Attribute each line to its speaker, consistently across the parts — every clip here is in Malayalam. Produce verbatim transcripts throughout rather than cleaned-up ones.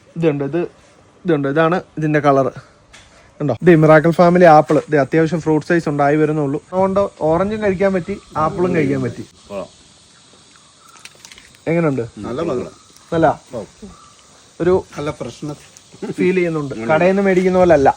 Speaker 1: ഇതുണ്ട് ഇത് ഇതുണ്ട് ഇതാണ് ഇതിന്റെ കളറ് ഉണ്ടോ. ഇത് മിറാക്കിൾ ഫാമിലി ആപ്പിൾ. ഇത് അത്യാവശ്യം ഫ്രൂട്ട് സൈസ് ഉണ്ടായി വരുന്നുള്ളൂ. അതുകൊണ്ട് ഓറഞ്ചും കഴിക്കാൻ പറ്റി, ആപ്പിളും കഴിക്കാൻ പറ്റി. എങ്ങനെയുണ്ട്? നല്ല ഒരു
Speaker 2: നല്ല പ്രശ്നം
Speaker 1: ഫീൽ ചെയ്യുന്നുണ്ട്. കടയിൽ നിന്ന് മേടിക്കുന്ന പോലെ അല്ല.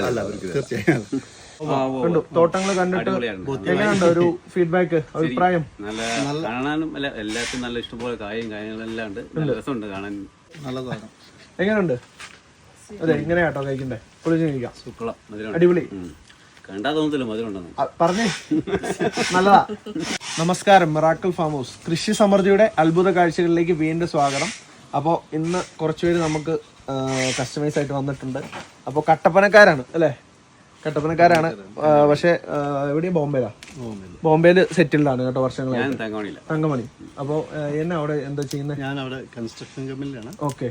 Speaker 1: കണ്ടു തോട്ടങ്ങൾ കണ്ടിട്ട് എങ്ങനെയുണ്ട് ഒരു ഫീഡ്ബാക്ക്, അഭിപ്രായം?
Speaker 3: കാണാനും എല്ലാത്തിനും നല്ല ഇഷ്ടംപോലെ കായും കാര്യങ്ങളെല്ലാം ഉണ്ട്. രസമുണ്ട് കാണാൻ.
Speaker 2: നല്ലതാണ്.
Speaker 1: എങ്ങനെയുണ്ട്? അതെ എങ്ങനെയാട്ടോ കഴിക്കണ്ടേ? പൊളിച്ച് കഴിക്കാം.
Speaker 3: സൂപ്പറാ,
Speaker 1: അടിപൊളി.
Speaker 3: കണ്ടാ തോന്നത്തില്ല മധുരം ഉണ്ടെന്ന്.
Speaker 1: പറഞ്ഞേ നല്ലതാ. നമസ്കാരം, മിറാക്കിൾ ഫാം ഹൗസ് കൃഷി സമൃദ്ധിയുടെ അത്ഭുത കാഴ്ചകളിലേക്ക് വീണ്ടും സ്വാഗതം. അപ്പോൾ ഇന്ന് കുറച്ചുപേര് നമുക്ക് കസ്റ്റമൈസ് ആയിട്ട് വന്നിട്ടുണ്ട്. അപ്പോൾ കട്ടപ്പനക്കാരാണ് അല്ലേ? കട്ടപ്പനക്കാരാണ്. പക്ഷെ എവിടെയും ബോംബെയിലാ. ബോംബെയിൽ സെറ്റിൽഡ് ആണ് കേട്ടോ വർഷങ്ങളായി. തങ്കമണി. അപ്പോൾ എന്നെ അവിടെ എന്താ ചെയ്യുന്നത്?
Speaker 2: ഞാൻ അവിടെ കൺസ്ട്രക്ഷൻ കമ്പനിയിലാണ്.
Speaker 1: ഓക്കെ.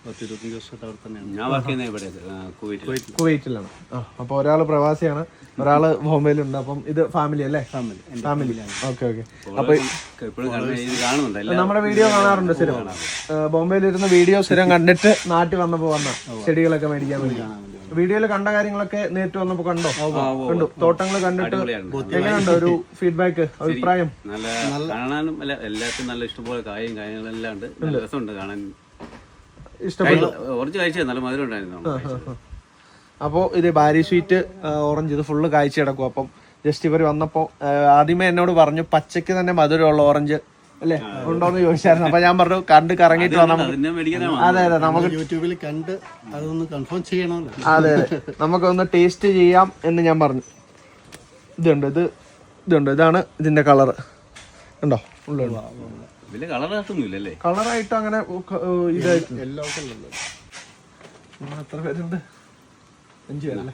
Speaker 1: കുവൈറ്റിലാണ്. ആ അപ്പൊ ഒരാള് പ്രവാസിയാണ്, ഒരാള് ബോംബെയിലുണ്ട്. അപ്പം ഇത് ഫാമിലി അല്ലേ? ഫാമിലി. Okay okay. അപ്പൊ നമ്മുടെ വീഡിയോ കാണാറുണ്ട് സ്ഥിരം. ബോംബെയിൽ ഇരുന്ന് വീഡിയോ സ്ഥിരം കണ്ടിട്ട് നാട്ടിൽ വന്നപ്പോ വന്ന ചെടികളൊക്കെ മേടിക്കാൻ വേണ്ടി. വീഡിയോയിൽ കണ്ട കാര്യങ്ങളൊക്കെ നേരിട്ട് വന്നപ്പോ കണ്ടോ? കണ്ടു തോട്ടങ്ങൾ കണ്ടിട്ട് എങ്ങനെയുണ്ട് ഒരു ഫീഡ്ബാക്ക്, അഭിപ്രായം?
Speaker 3: കാണാനും എല്ലാത്തിനും നല്ല ഇഷ്ടംപോലെ കായും കാര്യങ്ങളെല്ലാം ഉണ്ട്. രസമുണ്ട് കാണാൻ.
Speaker 1: ഇഷ്ടപ്പെട്ടു.
Speaker 3: ഓറഞ്ച് കാഴ്ച നല്ല മധുരം ഉണ്ടായിരുന്നു.
Speaker 1: അപ്പോൾ ഇത് ബാരി സ്വീറ്റ് ഓറഞ്ച് ഇത് ഫുള്ള് കാഴ്ച കിടക്കും. അപ്പം ജസ്റ്റ് ഇവർ വന്നപ്പോൾ ആദ്യമേ എന്നോട് പറഞ്ഞു പച്ചക്ക് തന്നെ മധുരമുള്ള ഓറഞ്ച് അല്ലേ ഉണ്ടോന്ന് ചോദിച്ചായിരുന്നു. അപ്പൊ ഞാൻ പറഞ്ഞു കണ്ട് കറങ്ങിട്ട് വന്നാൽ അതെ അതെ നമുക്ക്
Speaker 2: യൂട്യൂബിൽ കണ്ട് അതൊന്ന് കൺഫേം ചെയ്യണമല്ലോ.
Speaker 1: അതെ അതെ നമുക്കൊന്ന് ടേസ്റ്റ് ചെയ്യാം എന്ന് ഞാൻ പറഞ്ഞു. ഇതുണ്ട് ഇത് ഇതുണ്ട് ഇതാണ് ഇതിന്റെ കളറ് ഉണ്ടോ? ഉള്ള
Speaker 3: വലിയ കളറായിട്ടൊന്നുമില്ലല്ലേ?
Speaker 1: കളറായിട്ട് അങ്ങനെ ഇതായിട്ട്
Speaker 2: എല്ലാ കളറിലും
Speaker 1: എത്ര പേരുണ്ട്? അഞ്ചു പേരല്ലേ?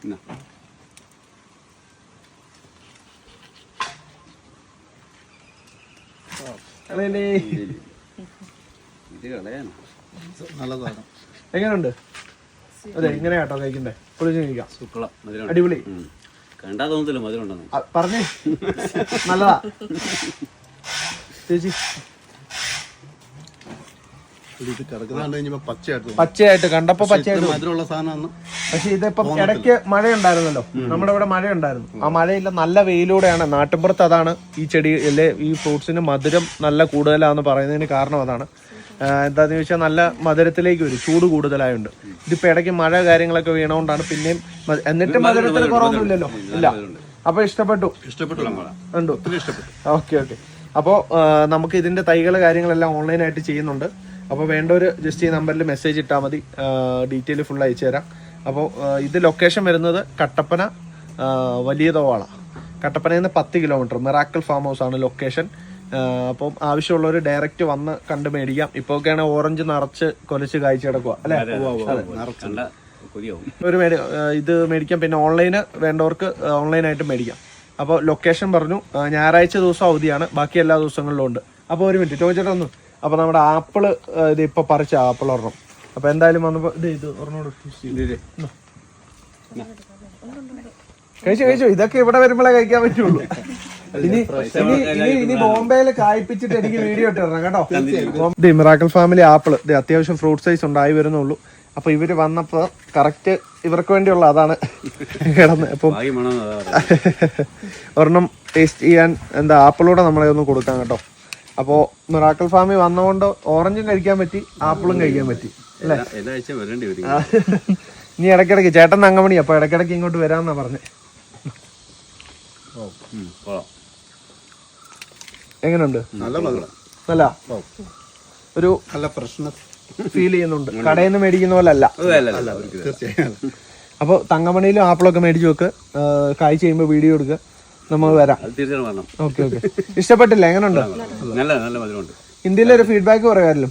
Speaker 2: നല്ലതാണ്.
Speaker 1: എങ്ങനെയുണ്ട്? അതെ എങ്ങനെയാട്ടോ കഴിക്കണ്ടേ? പൊളിച്ച് കഴിക്കാം.
Speaker 3: സൂപ്പറാ,
Speaker 1: അടിപൊളി.
Speaker 3: കണ്ടാ തോന്നത്തില്ല മധുരം ഉണ്ടെന്ന്.
Speaker 1: പറഞ്ഞേ നല്ലതാ ചേച്ചി. പച്ചയായിട്ട് കണ്ടപ്പോ പച്ചയായിട്ട്
Speaker 2: മധുരമുള്ള സാധനമാണ്.
Speaker 1: പക്ഷെ ഇതിപ്പം ഇടയ്ക്ക് മഴയുണ്ടായിരുന്നല്ലോ, നമ്മുടെ ഇവിടെ മഴയുണ്ടായിരുന്നു. ആ മഴയില്ല, നല്ല വെയിലൂടെയാണ്. നാട്ടിൻപുറത്ത് അതാണ് ഈ ചെടി അല്ലെ ഈ ഫ്രൂട്ട്സിന് മധുരം നല്ല കൂടുതലാണെന്ന് പറയുന്നതിന് കാരണം അതാണ്. എന്താന്ന് ചോദിച്ചാൽ നല്ല മധുരത്തിലേക്ക് വരും, ചൂട് കൂടുതലായുണ്ട്. ഇതിപ്പോ ഇടയ്ക്ക് മഴ കാര്യങ്ങളൊക്കെ വീണോണ്ടാണ് പിന്നെയും. എന്നിട്ട് മധുരത്തിന് കുറവൊന്നുമില്ലല്ലോ. ഇല്ല. അപ്പൊ ഇഷ്ടപ്പെട്ടു?
Speaker 2: ഇഷ്ടപ്പെട്ടു.
Speaker 1: ഉണ്ടോ? Okay okay. അപ്പോൾ നമുക്ക് ഇതിന്റെ തൈകൾ കാര്യങ്ങളെല്ലാം ഓൺലൈനായിട്ട് ചെയ്യുന്നുണ്ട്. അപ്പോൾ വേണ്ടവർ ജസ്റ്റ് ഈ നമ്പറിൽ മെസ്സേജ് ഇട്ടാൽ മതി, ഡീറ്റെയിൽ ഫുൾ അയച്ചു തരാം. അപ്പോൾ ഇത് ലൊക്കേഷൻ വരുന്നത് കട്ടപ്പന വലിയ തോവാള. കട്ടപ്പനയിൽ നിന്ന് പത്ത് കിലോമീറ്റർ മിറാക്കിൾ ഫാം ഹൗസ് ആണ് ലൊക്കേഷൻ. അപ്പം ആവശ്യമുള്ളവർ ഡയറക്റ്റ് വന്ന് കണ്ട് മേടിക്കാം. ഇപ്പോൾ ഒക്കെയാണ് ഓറഞ്ച് നിറച്ച് കൊലച്ച് കാഴ്ച കിടക്കുക അല്ലേ? ഒരു മേടി ഇത് മേടിക്കാം. പിന്നെ ഓൺലൈന് വേണ്ടവർക്ക് ഓൺലൈനായിട്ട് മേടിക്കാം. അപ്പോൾ ലൊക്കേഷൻ പറഞ്ഞു. ഞായറാഴ്ച ദിവസം അവധിയാണ്, ബാക്കി എല്ലാ ദിവസങ്ങളിലും ഉണ്ട്. അപ്പോൾ ഒരു മിനിറ്റ് ചോദിച്ചിട്ട് ഒന്ന്. അപ്പോൾ നമ്മുടെ ആപ്പിള് ഇത് ഇപ്പോൾ പറിച്ച ആപ്പിൾ ഒരെണ്ണം. അപ്പോൾ എന്തായാലും വന്നപ്പോൾ ഇത് ഇത് ഒരെണ്ണോട് കഴിച്ചു കഴിച്ചു. ഇതൊക്കെ ഇവിടെ വരുമ്പോഴേ കഴിക്കാൻ പറ്റുള്ളൂ. ഇനി ഇനി ഇനി ഇനി ബോംബെയിൽ കായ്പിച്ചിട്ട് എനിക്ക് വീഡിയോ ഇട്ടിരണം കേട്ടോ. ഇത് മിറാക്കിൾ ഫാമിലി ആപ്പിൾ. ഇത് അത്യാവശ്യം ഫ്രൂട്ട് സൈസ് ഉണ്ടായി വരുന്നുള്ളൂ. അപ്പൊ ഇവര് വന്നപ്പോ കറക്റ്റ് ഇവർക്ക് വേണ്ടിയുള്ള അതാണ് കിടന്ന്. അപ്പം ഒരെണ്ണം ടേസ്റ്റ് ചെയ്യാൻ എന്താ ആപ്പിളൂടെ നമ്മളെ ഒന്ന് കൊടുക്കാം കേട്ടോ. അപ്പോൾ മിറാക്കിൾ ഫാമിൽ വന്നതുകൊണ്ട് ഓറഞ്ചും കഴിക്കാൻ പറ്റി, ആപ്പിളും കഴിക്കാൻ പറ്റി അല്ലേ? ഇനി ഇടയ്ക്കിടയ്ക്ക് ചേട്ടൻ തങ്കമണി, അപ്പൊ ഇടയ്ക്കിടയ്ക്ക് ഇങ്ങോട്ട് വരാമെന്നാ പറഞ്ഞേ. എങ്ങനെയുണ്ട്? നല്ല ഒരു
Speaker 2: നല്ല പ്രശ്നം
Speaker 1: ഫീൽ ചെയ്യുന്നുണ്ട്. കടയിൽ നിന്ന് മേടിക്കുന്ന പോലെ അല്ല. അപ്പൊ തങ്കമണിയിലും ആപ്പിളൊക്കെ മേടിച്ചു വെക്ക്. കായ് ചെയ്യുമ്പോ വീഡിയോ എടുക്കുക, നമ്മൾ വരാം. Okay okay. ഇഷ്ടപ്പെട്ടില്ല? എങ്ങനെയുണ്ട്? ഹിന്ദിയിലൊരു ഫീഡ്ബാക്ക് പറയാമല്ലോ.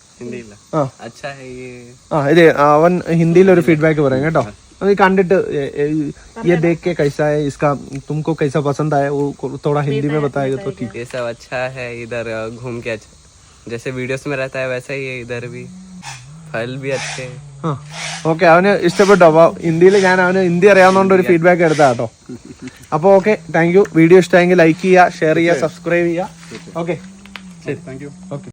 Speaker 1: ആ ഇത് അവൻ ഹിന്ദിയിലൊരു ഫീഡ്ബാക്ക് പറയാം കേട്ടോ. അത് കണ്ടിട്ട് ये देख के कैसा है, इसका तुमको कैसा पसंद आया, वो थोड़ा हिंदी में बताएगा तो ठीक.
Speaker 4: ये सब अच्छा है. इधर घूम के अच्छा जैसे वीडियोस में रहता है वैसा ही है. इधर भी फल भी अच्छे.
Speaker 1: ഓക്കെ, അവന് ഇഷ്ടപ്പെട്ടു. അപ്പോൾ ഹിന്ദിയിൽ ഞാൻ അവന് ഹിന്ദി അറിയാവുന്നതുകൊണ്ട് ഒരു ഫീഡ്ബാക്ക് എടുത്താ കേട്ടോ. അപ്പോൾ ഓക്കെ, താങ്ക് യു. വീഡിയോ ഇഷ്ടമായെങ്കിൽ ലൈക്ക് ചെയ്യുക, ഷെയർ ചെയ്യുക, സബ്സ്ക്രൈബ് ചെയ്യുക. ഓക്കെ ശരി, താങ്ക് യു. ഓക്കെ.